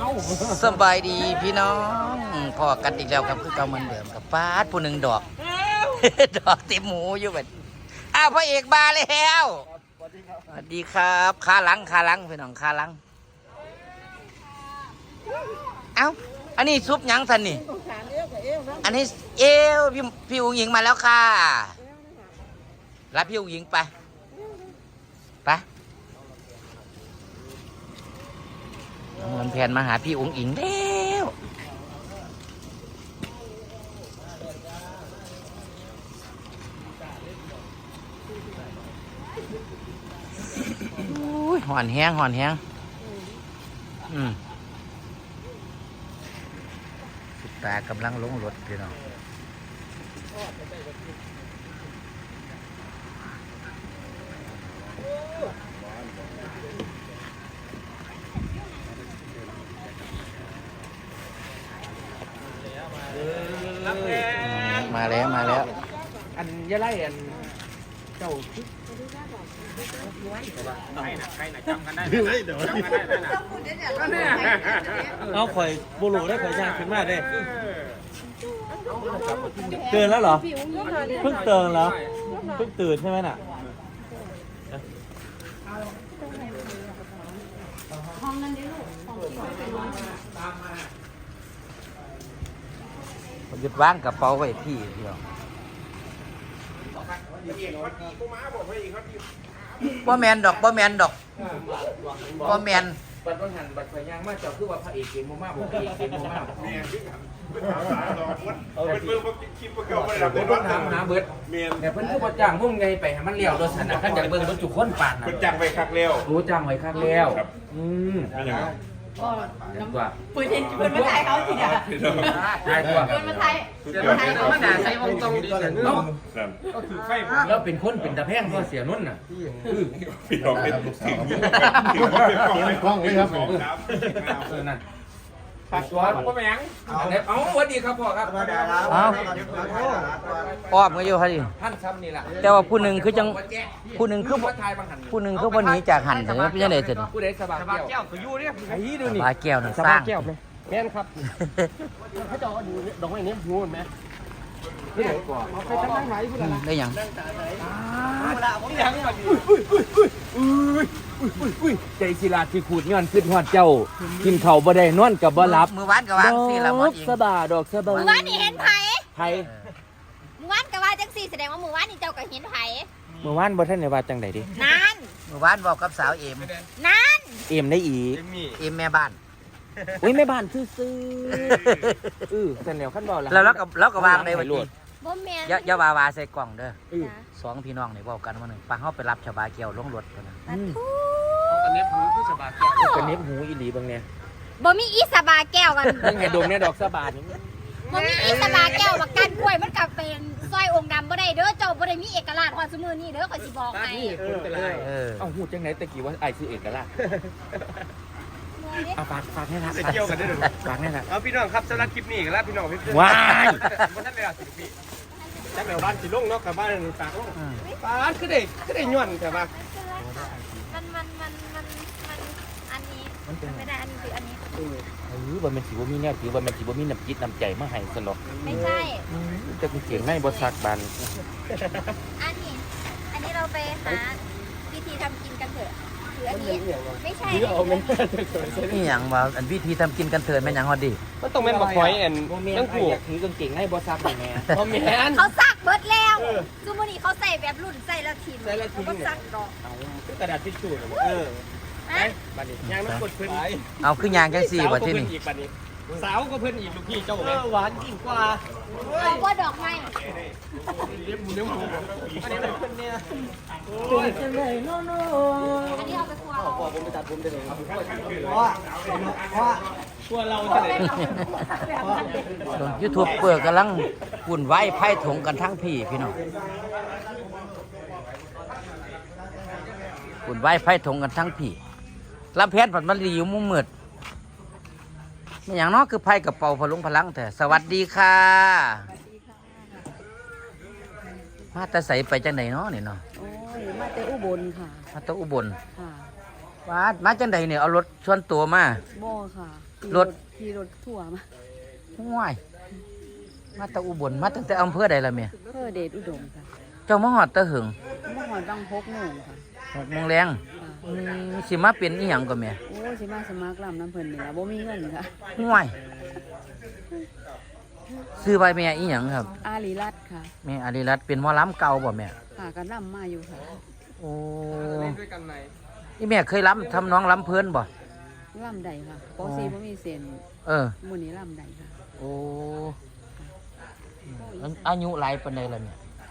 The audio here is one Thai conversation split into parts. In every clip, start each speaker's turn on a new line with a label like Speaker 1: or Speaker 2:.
Speaker 1: สบายดีพี่น้องพอกันอีกแล้วครับคือเก่าเหมือนเดิมกับป้าดผู้หนึ่งดอก ดอกเต็มหมูอยู่แบบอ้าวพระเอกมาแล้วสวัสดีครับขาหลังพี่น้องขาหลังเอ้าอันนี้ซุปยังสันนี่อันนี้เอวพี่อุ๋งหญิงมาแล้วค่ะรับพี่อุ๋งหญิงไปมันแผนมาหาพี่อุ๋งอิงแล้วหอนแห้งสุดตากำลังลงรถพี่น้องมาแล้ว
Speaker 2: อันยะไล่อันเจ้าใครน่ะจำกันได้เดี๋ยวเอาข่อยบูรูได้ข่อยยากขึ้นมากเลยเตือนแล้วเหรอเพิ่งเตือนแล้วเพิ่งตื่นใช่ไหมน่ะ
Speaker 3: ห้องนั้นดิลูก
Speaker 1: ผมจะวางกระเป๋าไว้พี่เดียวบ่แมนดอก
Speaker 2: บัตรวันหันบัตรไฟย่างมากเจ้าคือว่าพระเอกเกมโมมาบอกพระเอกเกมโมมาเป็นเบอร์คลิปเก่าไม่ได้เป็นถามหาเบิร์ดเนี่ยเพิ่นคือว่าจ้างมุ่งไงไปให้มันเลี้ยวโดยสนะขั้นจากเบิร์ดรถจุกคนปาดนะเพิ่นจ้างไว้คักแล้วรู้จ้างไว้คักแล้ว
Speaker 3: ก็
Speaker 2: น้ำกว่า
Speaker 3: ปืนมาถ่ายเขาทีเดียว
Speaker 2: ได้กว่า
Speaker 3: ปืนมาถ่าย
Speaker 2: เขามาด่าใส่วงตรงดีเสียนุ่นก็คือไฟแล้วเป็นคนเป็นตะแพงก็เสียนุ่นน่ะพี่น้องเป็นสิ่งที่กล้องเลยครับนั่นปัดตัวพ่อแมงเอาสวัสดีครับพ่อครับ
Speaker 1: อ้อมก็อยู่ครับดิ
Speaker 2: ท่านซ้ำนี่แหละ
Speaker 1: แต่ว่าผู้หนึ่งคือผู้หนึ่งคือวันนี้จากหันถึงพี่จะได้เสร็จ
Speaker 2: ผู้ใดสบายแก้วก็อยู่เนี่ยไอ้ดูนี่
Speaker 1: สบายแก้วน่ะสร้าง
Speaker 2: แม่นครับเขาจะดูดอกไม้นี้หูไหมนี่ไหนก่อนไปตั้งไหนพูดอะไร
Speaker 1: ได้ยัง
Speaker 2: ใจศิลาที่ขูดย้อนขึ้นหอดเจ้ากินเข่าบ่ได้นอนกับบ่หลับ
Speaker 1: มือวานกับวางสิละหมดอีก
Speaker 2: สบายดอกสบาย
Speaker 3: มือวานนี่เห็นไผ่มือวานกับว่าจังสี่แสดงว่ามือวานนี่เจ้าก็เห็นไผ่
Speaker 2: มือวานบ่ท่านในว่าจังใดดิ
Speaker 3: นั่น
Speaker 1: มือวานบอกกับสาวเอ็ม
Speaker 3: นั่น
Speaker 2: เอ็มได้อีก
Speaker 1: เอ็มแม่บ้าน
Speaker 2: อุ้ยแม่บ้านซื่อแต่แนวขั้นบ่
Speaker 1: แล้วก็วางได้วันนี้
Speaker 3: บ่แม่น
Speaker 1: อย่าวาใส่กล่องเด้อสองพี่น้องนี่บอกกันว่าหนึ่งปะเฮาไปรับชาวบาเกียวลงรถกันนะ
Speaker 2: กันเน็บหูคือชาวบาแก้วกันเน็บหูอีหลีบางเนี่ย
Speaker 3: บ่มีอีสบาแก้วกัน
Speaker 2: ยังไงดมเนี่ยดอกสบานี่
Speaker 3: บ่มีอีสบาแก้วบักกันกล้วยมันกับเป็นซอยองค์ดำบ่ได้เด้อเจ้าบ่ได้มีเอกลักษณ์ฮอดซุมื้อนี้เด้อข้อยสิบอกให้
Speaker 2: เอาหูจังไหนตะกี้ว่าไอ้คือเอกลักษณ์เอาฝากให้นะเกี่ยวกันได้หรือฝากให้นะเอาพี่น้องครับสำหรับคลิปนี้แล้วพี่น้องพี่ว้ายเพราะท่านเวลา10 ปีจักแมวบ้านสิลงเนาะกับบ้านฝากลงบ้านคือได้ย้อนแต่ว่า
Speaker 3: มันอันนี้ไม่ได้อันนี้คืออันนี้
Speaker 2: ว่ามันสิบ่มีแนวถือว่ามันสิบ่มีน้ำจิตน้ำใจมาให้ซะหรอก
Speaker 3: ไม่ใช่
Speaker 2: จะเสียงง่ายบ่ซักบาน
Speaker 3: อันนี้เราไปหาวิธีทำกินกันเถอะคืออันนี้ไม่ใช่
Speaker 1: นี่อย่างว่าอันวิธีทำกินกันเถิดแม่นยังฮอดดี
Speaker 2: มันต้องแม่นบ่คอยอันต้องผูกถือกางเกงง่ายบ่ซักแม่บ่แม่น
Speaker 3: เขาซักเบิดแล้วซุมื้อนี้เขาใส่แบบรุ่นใส่ละทีมเขาก็ซักดอก
Speaker 2: กระดาษทิชชู่ไปบัดนี้ยางมันกดเพิ่น
Speaker 1: เอาคือยางจังซี่บ่ที่นี่
Speaker 2: สาวก็เพิ่นอีกลูกพี่เจ้าหวานยิ่งกว่า
Speaker 3: เอาบ่ดอกไม้
Speaker 2: เลี้ยงหมูอันนี้เพิ่นเนี่ย
Speaker 3: โอ้ยจังเลยโนอันนี้เอาไปครัว
Speaker 2: พ่อผมไปตัดผมได้เลยครัวเราจะ
Speaker 1: ได้YouTube เปิดกำลังวุ่นวายไพ่ถงกันทั้งพี่น้องวุ่นวายไพ่ถงกันทั้งพี่ลำแพนผัดมันรีอยู่มุมมืดไม่อย่างน้อยคือไพ่กับเป่าพลุงพลังแต่สวัสดีค่ะมาแต่ใส่ไปจังไหนเนาะนี่เนาะ
Speaker 4: โอ้ยมาแต่อุบลค่ะ
Speaker 1: มาแต่อุบล
Speaker 4: ค่ะ
Speaker 1: มาจังไหนเนี่ยเอารถส่วนตัวมา
Speaker 4: บ่ค่ะ
Speaker 1: รถ
Speaker 4: ขี่รถทั่วมา
Speaker 1: ห่วยมาแตะอุบลมาตั้งแต่อำเภอใดล่ะแม่
Speaker 4: เพื่อเดชอุดมค่ะ
Speaker 1: เจ้ามาฮอดตะหึง
Speaker 4: เมื่อก่อนบาง6 โมงค่ะ
Speaker 1: 6 โมงแรง
Speaker 4: ค่ะ
Speaker 1: สิมาเป็นอีหยังก็แม่
Speaker 4: โอ้สิมาสมัครลำน้ำเพิ่นนี่ล่ะบ่มีเงินค่ะ
Speaker 1: ห่วยซื้อใบแม่อีหยังครับ
Speaker 4: อาลีรัตน์ค่ะ
Speaker 1: แม่อาริรัตน์เป็นหมอลำเก่าบ่แม่
Speaker 4: ค่ะก็ลำมาอยู่ค่ะ
Speaker 1: โอ้นี่แม่เคยล้ำทำน้องล้ำเพิ่นบ่
Speaker 4: ลำใดค่ะปอซีบ่มีเส้น
Speaker 1: เออ
Speaker 4: มื้อนี้ลำใดค่ะ
Speaker 1: โอ้อายุหลายปานใดล่ะเนี่ย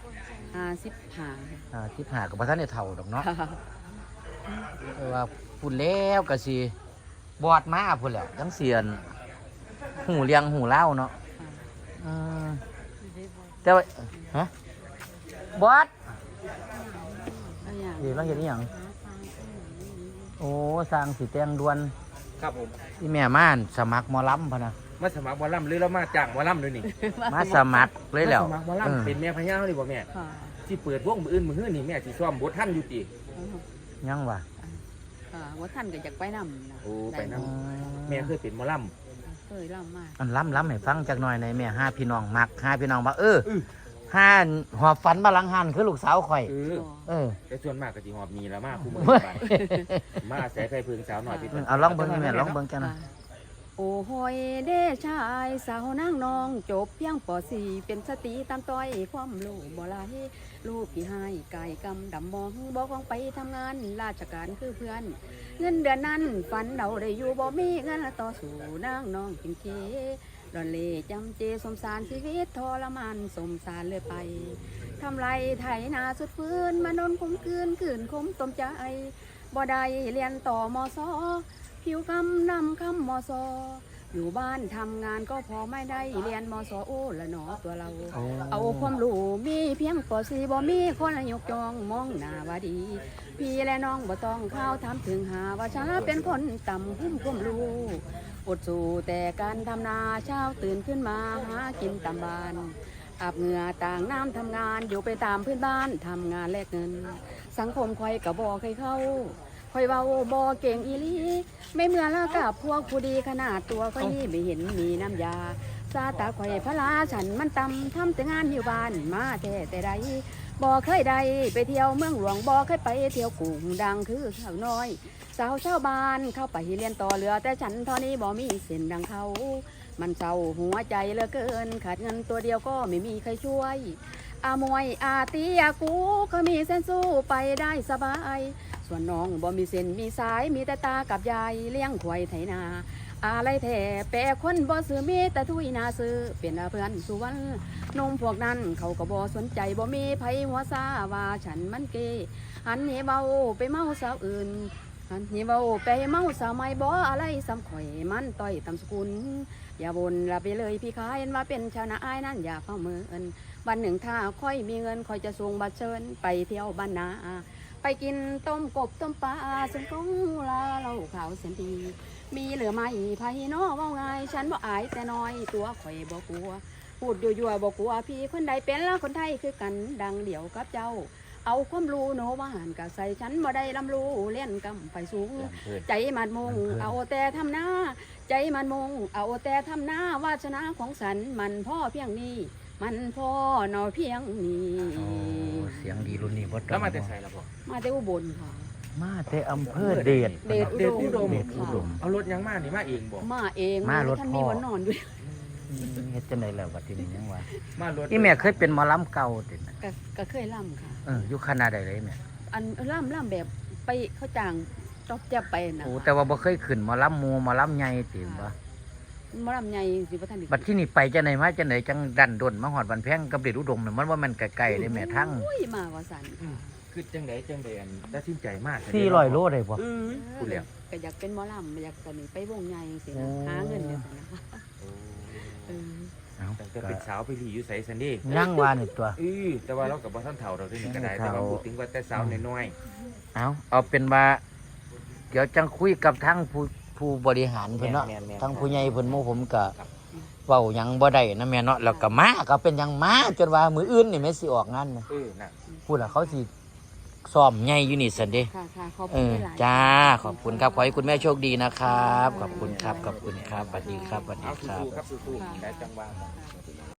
Speaker 4: 55ค่ะ
Speaker 1: 15กับบ่ทันได้เฒ่าดอกเนาะ
Speaker 4: ค่ะ
Speaker 1: แต่ว่าพูดแล้วก็สิบอดมาพุ่นแหล้วจังเสียนหูเลียงหูเล่าวเนาะอืมแต่ว่าฮะบอด
Speaker 4: แล้วอย่าง
Speaker 1: เดี๋ยวเราเห็นอหย่างโอ้สร้างสีแตงดวน
Speaker 2: ครับผม
Speaker 1: ที่แม่ม่านสมัครหมอลำพะนะ
Speaker 2: มาสมัครหมอลำหรือเรามาจ้างหมอลำด้วยนี่
Speaker 1: มาสมัครเลยแล้ว
Speaker 2: มาสมัครหมอ
Speaker 1: เออ
Speaker 2: ลำเป็นแม่พญาเลยบ่แม่
Speaker 4: ค่ะ
Speaker 2: ที่เปิดวงมืออื่นมืออื่นนี่แม่สิซ้อมบทท่านอยู่ติ
Speaker 1: ยังวะ
Speaker 4: ค่ะว่าท่านก็อยากไปนำนะ
Speaker 2: โอ้ไปน
Speaker 1: อื
Speaker 2: แม่เคยเป็นหมอล
Speaker 4: เคยลำมา
Speaker 1: อันล้ำให้ฟังจักหน่อยในอยแม่ห้าพี่น้องมักห้าพี่น้องว่า
Speaker 2: อื้อ
Speaker 1: ห้าหอบฝันมาหลังหันคือลูกสาวข่อย
Speaker 2: ำ
Speaker 1: เออ
Speaker 2: แต่ส่วนมากก็สิหอบหนีละมาคู่มือไปมาอาศัยไฟเพิงสาวหน่อยพี่
Speaker 1: เอาลองเบิ่งให้แม่ลองเบิ่งจังนะ
Speaker 4: โอ้โหยเด้ชายสาวนางนองจบเพียงป .4 เป็นสตรีตามต้อยความรู้บ่หลายลูกพี่ให้ไก่กำดำมองบอกของไปทำงานราชการคือเพื่อน เงินเดือนนั้นฝันเราได้อยู่บ่มีเงินต่อสู่นางน้องกินเคดอนเล่จำเจสมสารชีวิตทรมานสมสารเลยไปทำไรไถนาสุดฟื้นมานนคมคืนคมต้มใจบ่ได้เรียนต่อมศผิวคำนำคำมศอยู่บ้านทำงานก็พอไม่ได้เรียนมศโอ้ละหนอตัวเรา เอาความรู้มีเพียงป .4 บ่มีคนยกจองมองหน้าว่าดี พี่และน้องบ่ต้องเข้าวถามถึงหาว่าฉันเป็นคนต่ำหุ้มความรู้อดสู้แต่การทำนาเช้าตื่นขึ้นมาหากินตามบ้านอาบเหงื่อต่างน้ำทำงานอยู่ไปตามเพื่อนบ้านทำงานแลกเงิน สังคมคอยกะบ่เคยเข้าคอยเว้าบ่เก่งอีหลีไม่เหมือนละกับพวกผู้ดีขนาดตัวก็ยี่ไม่เห็นมีน้ำยาซาตาข่อยพระลาฉันมันตำทำแต่งานอยู่บ้านมาแต่ใดบ่เคยได้ไปเที่ยวเมืองหลวงบ่เคยไปเที่ยวกรุงดังคือสาวน้อยสาวชาวบ้านเข้าไปเรียนต่อเรือแต่ฉันเท่านี้บ่มีเส้นดังเขามันเศร้าหัวใจเหลือเกินขาดเงินตัวเดียวก็ไม่มีใครช่วยอามวยอาตีอากูก็มีเส้นสู้ไปได้สบายส่วนน้องบ่มีเส้นมีสายมีแต่ตากับยายเลี้ยงควายไถนาอะไรแท้แปรคนบ่ซื้อมีแต่ทุยนาซื้อเป็นเพื่อนสุวรรณนมพวกนั้นเขาก็บ่สนใจบ่มีไผหัวซาว่าฉันมันเกหันเหเบาไปเมาสาวอื่นหันเหเบาไปเมาสาวไม่บ่อะไรซ้ำข่อยมันต้อยตำสกุลอย่าบ่นละไปเลยพี่ขายว่าเป็นชาวนาอ้ายนั่นอย่าเฝ้าเมินวันหนึ่งถ้าค่อยมีเงินค่อยจะส่งบัตรเชิญไปเที่ยวบ้านนาไปกินต้มกบต้มปลาซึ่งกงลาเราขาวเสียนดีมีเหลือไม่ไพ่น้อว่าไงฉันบ่อายแต่น้อยตัวข่อยบ่กลัวพูดยั่วๆบ่กลัวพี่คนใดเป็นละคนไทยคือกันดังเดี่ยวกับเจ้าเอาความรู้โนว่าหันกะใส่ฉันบ่ได้ลำรู้เลี้ยนกำไปสูงใจมันมงเอาแต่ทำหน้าใจมันมงเอาแต่ทำหน้าวาสนาของฉันมันพ่อเพียงนี้มันพ่อนอเพียงนี้
Speaker 1: โอ้เสียงดีรุ่นนี้บ่ต้
Speaker 2: แล้
Speaker 1: อ
Speaker 2: ว
Speaker 1: ง
Speaker 2: มาแต่ใส่ละบ่
Speaker 4: มาแต่อุบลค่ะ
Speaker 1: มาแต่อำเภอเดช
Speaker 4: เดช
Speaker 2: เดชอุดม
Speaker 1: เดชอุดม
Speaker 2: เอารถยังมานี่มาเองบ่
Speaker 4: มาเอง
Speaker 1: มารถ
Speaker 4: ท่าน
Speaker 1: พ่
Speaker 4: มี
Speaker 1: อ
Speaker 4: วันนอนด้วย
Speaker 1: เฮ็ดจังไดแล้วบัดนี้ยังว่า
Speaker 2: มารถ
Speaker 1: อีแม่เคยเป็นหมอลำเก่าตินะ
Speaker 4: ก็เคยล่ำค่ะ
Speaker 1: อยู่คณะใดเลยแม่
Speaker 4: อันล่ำแบบไปเขาจ้างจอบจะไปนะ
Speaker 1: โอ้แต่ว่าบ่เคยขึ้นหมอลำหมู่หมอลำใหญ่ติบ่
Speaker 4: มาลำใหญ่สิพระท่าน
Speaker 1: บัดที่นี่ไปจังไดมาจังไดจังดันดนมาฮอดบันแพงกับเดชอุดมเนี่ยมันว่ามันไกลๆได้แม่ทั้ง
Speaker 4: อุ้ยมาว่าสัน
Speaker 2: คือจังไดอันตัดสินใจมาก
Speaker 1: 400โลได้บ่
Speaker 2: พูดแล้ว
Speaker 4: ก็อยากเป็นหมอลำอยากตอนนี้ไปวงใหญ่สิ
Speaker 1: โอ้
Speaker 4: นะหาเงินเดี๋ยวนะคะ เออ
Speaker 1: เอ้า
Speaker 2: แต่ก็เป็นสาวไปรีอยู่ไสซันดี้
Speaker 1: ยังว่านี่ตัว
Speaker 2: แต่ว่าเรากับบ่ทันเฒ่าเราที่นี่ก็ได้แต่ว่าพูดถึงว่าแต่สาวน้อย
Speaker 1: เอาเป็นว่าเดี๋ยวจังคุยกับทั้งผู้บริหารเพิ่นเนาะ
Speaker 2: แม่นๆ
Speaker 1: ทั้งผู้ใหญ่เพิ่นหมู่ผมก็เว้าหยังบ่ได้นะแม่เนาะแล้วก็มาก็เป็นหยังมาจนว่ามื้ออื่นนี่แม่สิออกงานนะ
Speaker 2: น่ะ
Speaker 1: พูดล่ะเขาสิซ้อมใหญ่อยู่นี่สันเด้
Speaker 4: ค่ะค่ะขอบ
Speaker 1: เอ
Speaker 4: คุณ
Speaker 1: อ
Speaker 4: หลาย
Speaker 1: จ้าขอบคุณครับขอให้คุณแม่โชคดีนะครับขอบคุณครับขอบคุณครับสวัสดีครับสวัสดี
Speaker 2: เอา
Speaker 1: ครับ
Speaker 2: สู้ๆครับสู้ๆแค่จังหวะ